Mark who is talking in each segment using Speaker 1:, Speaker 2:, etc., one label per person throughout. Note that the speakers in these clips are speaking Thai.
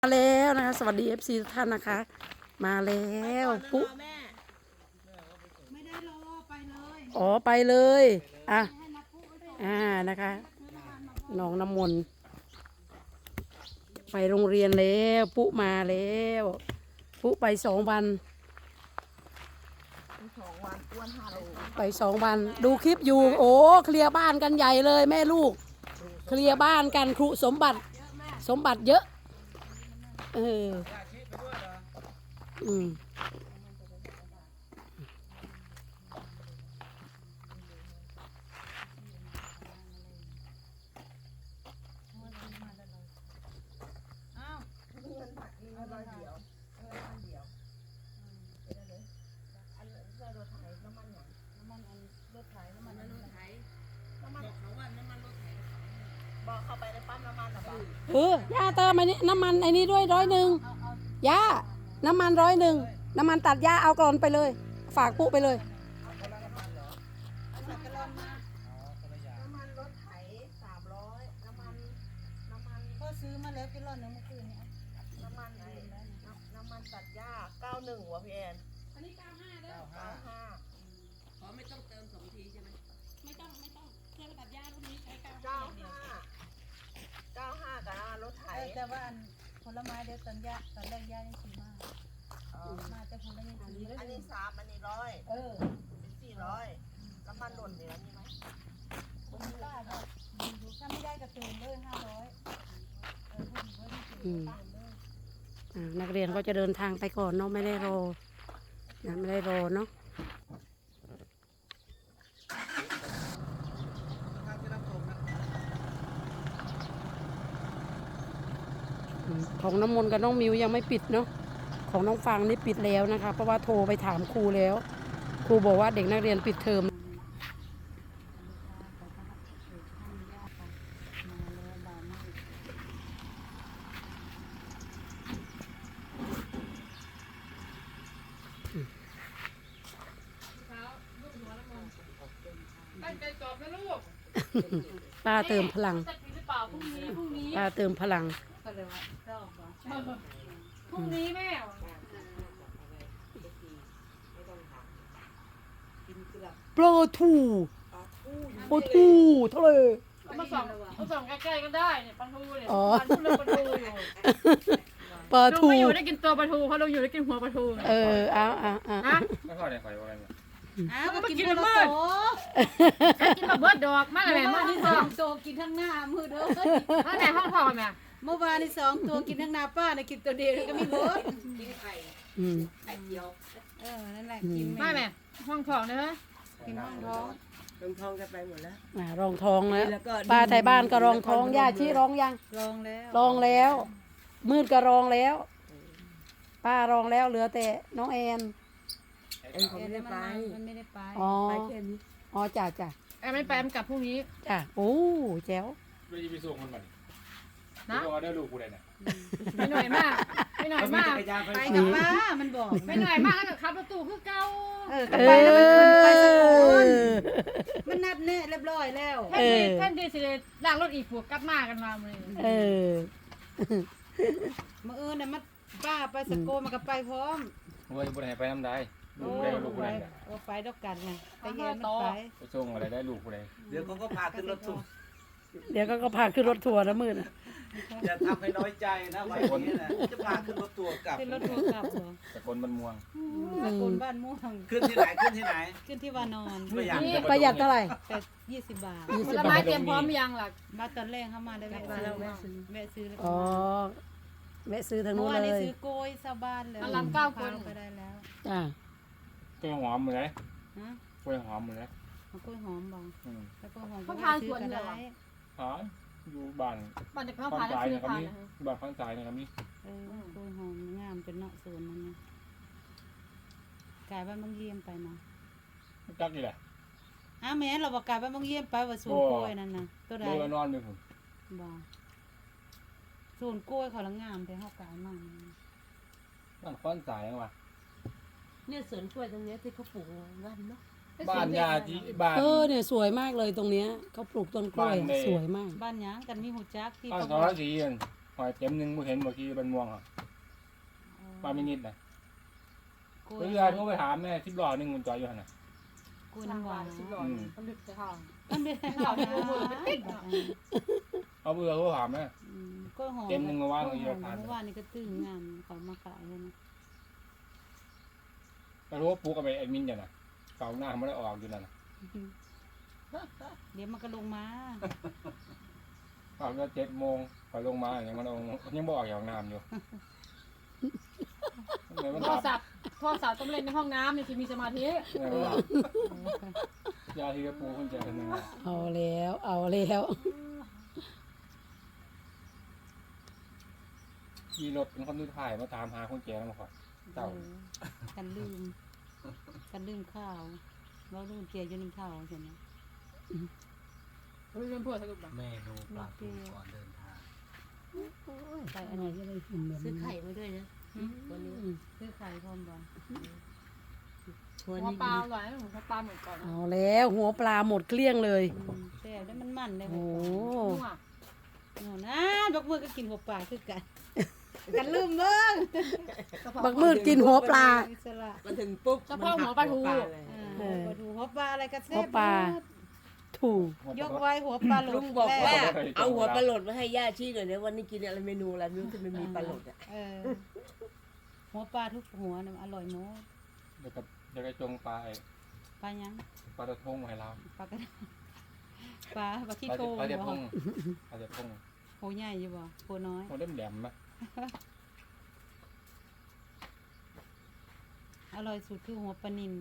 Speaker 1: มาแล้วนะคะสวัสดี FC ทุกท่านนะคะมาแล้วปุ๊
Speaker 2: ไม่ได้รอไปเลย
Speaker 1: อ๋อไปเลยอ่ะนะคะน้องน้ำมนต์ไปโรงเรียนแล้วปุ๊มาแล้วปุ๊ไป2 วันไป2 วันดูคลิปอยู่โอ้เคลียร์บ้านกันใหญ่เลยแม่ลูกเคลียร์บ้านกันครูสมบัติเยอะอืม
Speaker 2: บอกเข้าไปในปั๊มน้ำมันหรอปะ
Speaker 1: ย่าเติมไอ้นี่น้ำมันไอ้นี่ด้วย100ย่าน้ำมัน100น้ำมันตัดย่าเอาก่อนไปเลยฝากปุ๊ไปเลย
Speaker 2: น้ำมันรถไถ300น้ำมันก็ซื้อมาแล้วกิโลนึงเมื่อคืนนี้น้ำมันตัดหญ้า91วะพี่แอนอันนี้95เด้อ95อ๋อไม่ต้องเติม2 ทีใช่ไหมไม่ต้องเครื่องตัดหญ้ารุ่นนี้ใช้95กับน้ำมันรถไถแต่ว่าผลไม้เดี๋ยวตอนแรกหญ้ายังซื้อมามาแต่ผลไม้ยังซื้ออันนี้3อันนี้100เป็น400น้ำมันหล่นเหลือนี่ไหมถ้าไม่ได้กระเติมเลย500
Speaker 1: นักเรียนก็จะเดินทางไปก่อนเนาะไม่ได้รอเนาะของน้ำมนต์กับน้องมิวยังไม่ปิดเนาะของน้องฟังนี่ปิดแล้วนะคะเพราะว่าโทรไปถามครูแล้วครูบอกว่าเด็กนักเรียนปิดเทอมป้าเติมพลังป้าเติมพลัง
Speaker 3: พรุ่งนี้แม่
Speaker 1: โปรทูเท่าไหร่
Speaker 3: มาส่องใกล้ๆก็ได้เนี่ยปลาทูเนี่ยปลาทูปลาทูอยู่
Speaker 1: ปลาทู
Speaker 3: ลุงไม่อยู่ได้กินตัวปลาทูเพราะลุงอยู่ได้กินหัวปลาทู
Speaker 1: เอา
Speaker 4: ไม่พอได้ไฟว่าไง
Speaker 3: ก็กินมืดกินแบบเบิร์ดดอกมากเลยแม่
Speaker 2: ที่2ตัวกินทั้งหน้ามือเด้อ
Speaker 3: ถ้าไหนห้องทองแม่
Speaker 2: เมื่อวานที่2ตัวกินทั้งหน้าป้าเนี่ยกินตัวเดียวก็ไม่เบิร์ดกินไข่เจียวนั่นแหละกิน
Speaker 3: ไม่แม่ห้องทองเนอะ
Speaker 2: กินห้องท้อง
Speaker 5: กันไปหมดแล้ว
Speaker 1: รองท้องแล้วป้าไทยบ้านก็รองท้องย่าชี้ร้องยัง
Speaker 2: ลองแล้ว
Speaker 1: มืดก็รองแล้วป้ารองแล้วเหลือแต่น้องแอน
Speaker 2: มันไม่ได้ไป
Speaker 1: ไปแค่นี้จ้า
Speaker 3: แอมไม่ไปแอมกลับพรุ่งนี้
Speaker 1: จ้าโอ้แจ๋ว
Speaker 4: ไม่ได้ไปส่งมันนะเพราะว่าได้ลูกกูได้เนี่ย
Speaker 3: ไม่หน่อยมาก
Speaker 2: ไปกับป้ามันบอก
Speaker 3: ไม่หน่อยมากแล้วกับขับรถตู้คือเก่า
Speaker 2: ไปแล้วมันไปสักคนมันนัดแน่เรียบร้อยแล้ว
Speaker 3: แท่นดีสิเลยลากรถอีกพวกกลับมากันมาเลย
Speaker 2: มื่อเนี่ยมันป้าไปสโกมันก็ไปพร้อม
Speaker 4: ว่าจะไปน้ำได้ลูกได้ลูกกูได้
Speaker 2: ไปดอกกันไงไปเย็น
Speaker 4: ไปส่งอะไรได้ลูกกูได้
Speaker 5: เดี๋ยวเขาก็พาขึ้นรถทัวร์
Speaker 1: นะมืด
Speaker 5: อย่าทำให้น้อยใจนะวันนี้นะจะพาขึ้นรถทัวร์กลับ
Speaker 2: ขึ้นรถทัวร์กลับเหรอ
Speaker 4: แต่คนมันม่วง
Speaker 2: คนบ้านม่วง
Speaker 5: ขึ้นที่ไหนขึ้
Speaker 2: นที่วานอน
Speaker 1: ประหยัดเท่าไหร่
Speaker 2: แต่20 บาท
Speaker 3: ผลไม้เตรียมพร้อมยังล่ะ
Speaker 2: มาตอนแรกเข้ามาได้แวะซื้อแล้ว
Speaker 1: แวะซื้อทางนู้นเลย
Speaker 2: ซื้อโกยซาบ้านเลย
Speaker 3: ลำ9 คน
Speaker 2: ไปได้แล้ว
Speaker 4: กล้วยหอมเลยกล้วยหอมเลย
Speaker 2: กล้วยหอมบ้างแล้วก็หอม
Speaker 3: เขาพาสวนเหรอ
Speaker 4: อยู่บ้าน
Speaker 3: จะเข้าพาแล้วซื้อพา
Speaker 4: บ้านข้างซ้ายนะครับนี่
Speaker 2: กล้วยหอมงามเป็นเนาะสวนนั้นนะกายบ้านบางเยี่ยมไปเนาะ
Speaker 4: จักนี่แหละ
Speaker 2: แม่เราบอกกายบ้านบางเยี่ยมไปว่าสวนกล้วยนั่นนะตัวใด
Speaker 4: นอนอยู่ผม
Speaker 2: บ่สวนกล้วยเขาละงามแต่เฮากายมั่ง
Speaker 4: บ้านข้างซ้ายยังวะ
Speaker 2: เนี่ยสวนกล้วยตรงนี้ที่เขาปลูกกันเนาะ
Speaker 4: บ้านยาจีบ้าน
Speaker 1: เนี่ยสวยมากเลยตรงเนี้ยเขาปลูกต้นกล้วยสวยมาก
Speaker 2: บ้านหยังกันมีหูจักที่
Speaker 4: บ้านทอสีเงินทอยเต็มหนึงมึงเห็นเมื่อกี้เป็นม่วงอ่ะปลาไม่นิดนะเพื่อนโทรไปถามแม่10 ล้อนึงมันจอดอยู่หั่นน่ะ
Speaker 3: กูน้ำหวาน
Speaker 2: สิบหลอดมันลึกจะทาง
Speaker 3: มันเป็น
Speaker 2: เราเนี่ยมือไปติด
Speaker 4: เอาเบื่อโทรถามแม่
Speaker 3: ก็หอม
Speaker 4: เต็มหนึ่งเมื่อวาน
Speaker 3: ก็
Speaker 4: เมื่อกี้
Speaker 3: หอม
Speaker 4: ทาน
Speaker 3: เมื่อวานนี่ก็ตื้องานเขามาขายเลยนะ
Speaker 4: ก็รู้ว่าปุ๊กกับไอ้แอดมินจ้ะน่ะเก่าหน้าไม่ได้ออกอยู่นั่นน่ะ
Speaker 3: เดี๋ยวมันก็ลงมา
Speaker 4: ออกก็7 โมงพอลงมาอย่างมันยังบ่ออกอย่างน้ำอยู่ไหนมัน
Speaker 2: โทร
Speaker 4: ถาม
Speaker 2: ศัพท์ต้องเล่นในห้องน้ำเนี่ยจะมีสมาธิ
Speaker 4: ไหนมันถามยาที่กระปูคุณแจคนหนึงอะ
Speaker 1: เอาแล้วเอาแล้ว
Speaker 4: ขี่รถเป็นคนที่ถ่ายมาตามหาคนแจแล้วมาขอเต่า
Speaker 3: กันลืมข้าวเราลืมเกียร์อยู่ในข้าวใช่ไหม
Speaker 2: เฮ้ยเรื่องพวกสรุปแบบ
Speaker 5: เมนูปลาทูก่อนเดินทาง
Speaker 3: ใส่
Speaker 1: อะ
Speaker 3: อัน
Speaker 1: ไร
Speaker 3: นี้
Speaker 1: ก็ได้กินแบบ
Speaker 6: ซื้อ
Speaker 1: นี้
Speaker 6: ไข่มาด้วยนะวันนี้
Speaker 3: ซื้อไข่พร้อมบ่
Speaker 6: วัน
Speaker 2: หัว
Speaker 6: นี้
Speaker 2: ปลาอร่อยนะหัวปลาเหมือนก่อนนะ
Speaker 1: เอาแล้วหัวปลาหมดเกลี้ยงเลย
Speaker 3: แซ่บได้มันได้
Speaker 1: โอ้
Speaker 2: นัว
Speaker 3: เนาะนะบักมือก็กินหัวปลาคือกันกันลืมเบิ่ง
Speaker 1: บักมืดกินหัวปลา
Speaker 3: อิสระ
Speaker 6: มาถึงปุ๊บ
Speaker 2: เฉพาะหัวปลาทู
Speaker 6: เลย
Speaker 3: ปลาทูหัวปลาอะไรก็แซ่บ
Speaker 1: หัวปลา ถูก
Speaker 3: ยกไว้หัวปลาหลุ
Speaker 6: ลุ
Speaker 3: ด
Speaker 6: งบอกว่า
Speaker 3: แล้ว
Speaker 6: เอาหัวปลาหลดมาให้ย่าชี้หน่อยนะวันนี้กินอะไรเมนูอะไรไม่รู้ที่มันมีปลาหลดอ่ะ
Speaker 3: หัวปลาทุกหัวน่ะอร่อยหมด
Speaker 4: เดี๋ยวก็จงปลาไอ้
Speaker 3: ปลายัง
Speaker 4: ปลาตะทงให้เรา
Speaker 3: ปลากระปลาที่โท
Speaker 4: ปลาเด็ดพ
Speaker 3: บ่
Speaker 4: งปลาเด็ดพง
Speaker 3: โหใหญ่อยู่บ่โหน้อย
Speaker 4: โมเล่มแหลมไหม
Speaker 3: อร่อยสุดคือหัวปลานิล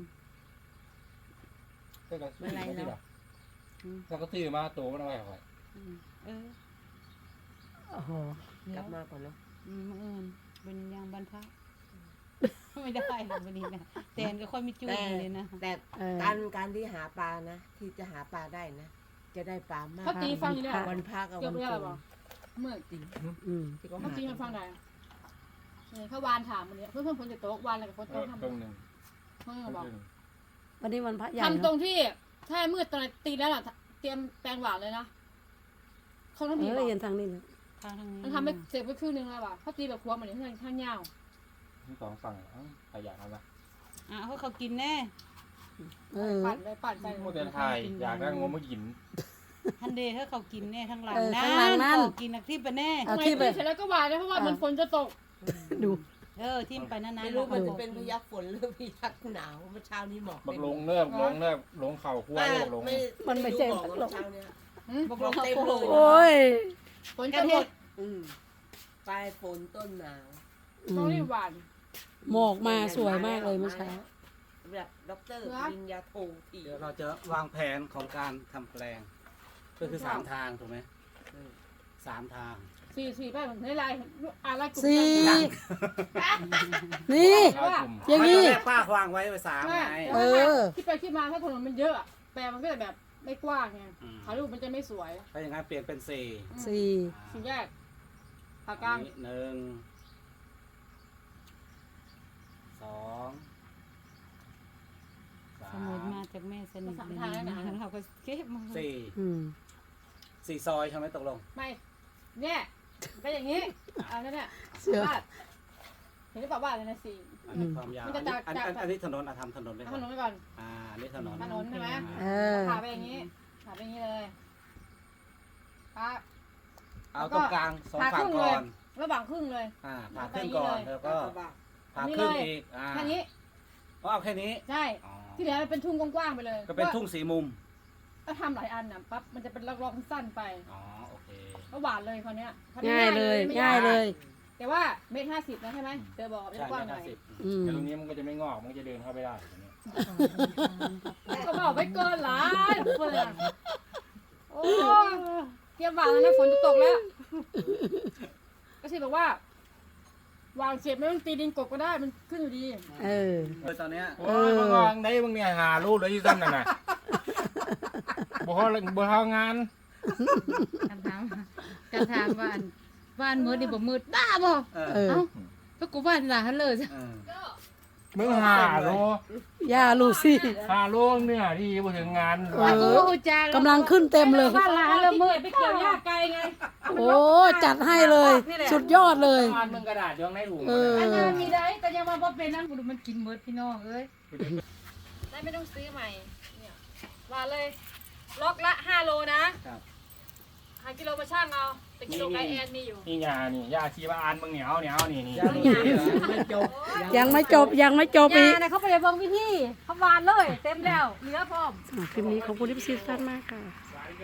Speaker 4: ก็กระซื้อมาที่หรอแล้วก็ซื้อมาตัวมันเอาไว้ก่อน
Speaker 3: เออ
Speaker 1: โอ้โห
Speaker 6: กลับมาก่อนเนาะ
Speaker 3: มื้ออื่นเป็นยางบรรทัดไม่ได้หรอกวันนี้นะแตนก็ค่อยมีจุ้ยเลยนะ
Speaker 6: แต่การที่หาปลานะ ที่จะหาปลาได้นะ จะได้ปลามาก
Speaker 2: เขาตีฟังอยู่เนี่ย
Speaker 6: วันพักกับ
Speaker 2: เกี่ยว
Speaker 6: วัน
Speaker 2: กับอะไร
Speaker 6: โก
Speaker 2: บ้าง
Speaker 6: น
Speaker 2: เมื่อ
Speaker 1: อืม
Speaker 6: ที่เขา
Speaker 2: เขา
Speaker 6: หา
Speaker 2: ตีมันฟังได้เนี่ยเขาวานถามมันเนี่ยเพื่อนฝนจะตกวานอะไรกับฝนตกทำ
Speaker 4: ตรงหนึ่ง
Speaker 2: เพื่อนบอก
Speaker 1: วันนี้วันพระใหญ่
Speaker 2: ทำตร
Speaker 1: เนาะ
Speaker 2: งที่ถ้ามืดตอนตีแล้วล่ะเตรียมแปลงหวานเลยนะเขาต้อง
Speaker 1: เอ
Speaker 2: มี
Speaker 1: อ
Speaker 2: บอก
Speaker 1: เห็นทางนี้นะ
Speaker 3: ทางนี้
Speaker 2: มันทำไปเสร็จไปครึ่งนึงแล้วว่ะเขาตีแบบครัวเหมือนข้างยาว
Speaker 4: ที่สองฝั่งขยะเอาละ
Speaker 3: เขากินแน่
Speaker 1: เออ
Speaker 2: ปั่นเลยปั่นใส่
Speaker 4: โมเดลไทยอยากได้งมมากิน
Speaker 3: ทันเดย์เขากินแน่ทั้งหลัง
Speaker 1: เออข้างหลังนั่น
Speaker 3: กินนักที่ไปแน่
Speaker 1: เอา
Speaker 2: ทำไม
Speaker 1: ที่ไป
Speaker 2: ตีเสร็จแล้วก็วานเลยเพราะว่ามันฝนจะตก
Speaker 1: ดู
Speaker 3: ทิมไปนานๆ
Speaker 6: ไม่รู้มันจะเป็นพยักฝนหรือพยักหนาวเมื่อเช้านี้หมอก
Speaker 4: บักลงเนิบลงเข่าขั้วบักลง
Speaker 1: มันไม่ใช่
Speaker 6: หมอก
Speaker 1: พัดล
Speaker 6: เมื่อ
Speaker 1: ม
Speaker 6: เช้าเนี้ย
Speaker 3: บอก
Speaker 6: หมอกเต็มเลย
Speaker 1: โอ้ย
Speaker 2: ฝนจะหมด
Speaker 6: ปลายฝนต้นหนาว
Speaker 1: อื
Speaker 2: ต้อง
Speaker 1: ม
Speaker 2: รีบหวาน
Speaker 1: หมอกมาสวยมากเลยเมื่อเช้า
Speaker 6: แบบด็อกเตอร์ปริญญาโทที
Speaker 5: เดี๋ยวเราจะวางแผนของการทำแปลง ก็คือ3 ทางถูกไหม3 ทาง
Speaker 2: สี่ไปในลายอะไรกลุ่ม
Speaker 1: สี่
Speaker 2: กัน
Speaker 1: นี่ อย่างนี้
Speaker 5: นี้ป้าวางไว้3ไง
Speaker 1: เออ
Speaker 2: ที่ไปที่มาถ้าถนนมันเยอะแปลมันก็จะแบบไม่กว้างไงถ่ายรูปมันจะไม่สวย
Speaker 5: ถ้าอย่างนั้นเปลี่ยนเป็น4
Speaker 1: สี่
Speaker 2: สี่แยกผากลาง
Speaker 5: 1 2
Speaker 3: สมุดมาจากแม่สนิทเลยนะเราก็เก็บมา
Speaker 5: 4
Speaker 1: อืม
Speaker 5: 4 ซอยใช่ไหมตกลง
Speaker 2: ไม่เนี่ยก็อย่างนี้อันนั้นเนี่ย
Speaker 1: เสือ
Speaker 2: วาดเห็นหรือเปล่าว่าอะไรนะสี่
Speaker 5: อันนี้ความยาว
Speaker 2: มันจะจาก
Speaker 5: อันนี้ถนนทำถนนไป
Speaker 2: ถ
Speaker 5: ก่อน
Speaker 2: นนไปก่อน
Speaker 5: อันนี้ถนน
Speaker 2: ถนนใช่ไหม
Speaker 1: เออ
Speaker 2: ผ่าไปอย่างนี้ผ่าไปอย่างนี้เลยปั๊บ
Speaker 5: เอาตรงกลาง2 ฝั่งก่อน
Speaker 2: ระหว่างครึ่งเลย
Speaker 5: ผ่าขึ้นก่อนแล้วก็ผ่า
Speaker 2: นี่
Speaker 5: ขึ้น
Speaker 2: เลย
Speaker 5: อีก
Speaker 2: แค่นี้
Speaker 5: เอาแค่นี้
Speaker 2: ใช่
Speaker 5: อ๋อ
Speaker 2: ที่เหลือเป็นทุ่งกว้างๆไปเลย
Speaker 5: ก็เป็นทุ่งสีมุม
Speaker 2: ถ้าทำหลายอันน่ะปั๊บมันจะเป็นล็อกๆสั้นไป
Speaker 5: อ๋อโอเค
Speaker 2: ก็หวานเลยคราวเนี้ยทำ
Speaker 1: ง่ายเลย
Speaker 2: ไม่
Speaker 1: ง่ายเลย
Speaker 2: แต่ว่า1.50 นะใช่ไหมเธอบอกเป็น
Speaker 5: ใช่
Speaker 2: กว้าง
Speaker 5: ไม่
Speaker 2: หน่อย
Speaker 5: 50
Speaker 1: อืม
Speaker 4: แต่ตรงนี้มันก็จะไม่งอกมันก็จะเดินเข้าไปได้อย่างเงี้ย
Speaker 2: ก็บอกไปเกินหลายเพื่อนโอ้เตรียมหวานแล้วนะฝนจะตกแล้ว ก็สิบอกว่าวางเสร็จไม่ต้องตีดินกบก็ได้มันขึ้นอยู่ดี
Speaker 1: เออ
Speaker 5: ตอนเนี้ย
Speaker 4: โอ้ยบางวางได้บางเนี่ยหารูปเลยที่ซ้ำนั่นน่ะบ่พองาน
Speaker 3: กันถามบ้านมืดนี่บ่มืดบ้าบ่
Speaker 1: เออ
Speaker 3: ก็กูบ้านหลานเลย
Speaker 5: เออ
Speaker 4: มึงหาโล
Speaker 1: ย่าลูซี่
Speaker 4: หาโลเนี่ยที่มาถึงงาน
Speaker 1: เออกำลังขึ้นเต็มเลย
Speaker 3: บ้านหลานละเมื่อไปเกี่ยวหญ้าไกลไง
Speaker 1: โอ้จัดให้เลย สุดยอดเลย
Speaker 4: บ้านมึงกระดาษอยู่ข้างในถุง
Speaker 1: เออ
Speaker 3: อันนั้นมีได้ก็ยังมาบ่เป็นนั่งดูมันกินเบิดพี่น้องเอ้ย
Speaker 7: ได้ไม่ต้องซื้อใหม่เนี่ยว่าเลยล็อกละ5 โลนะครับหากิโลมาช่างเอาแต่กิโลไกแอนมีอยู่
Speaker 4: นี่ยานี่ยาชีวานมึงเหนียวนี่นี่
Speaker 5: ไม่จบ
Speaker 1: ยังไม่จบยังไม่จบอีก
Speaker 7: ยาเนี่ยเขาไปเลยเบิ่งวิธีเขาวานเลยเต็มแล้วเหลือพร้อม
Speaker 1: คลิปนี้ขอบคุณที่พี่ซีทุกท่านมากค่ะ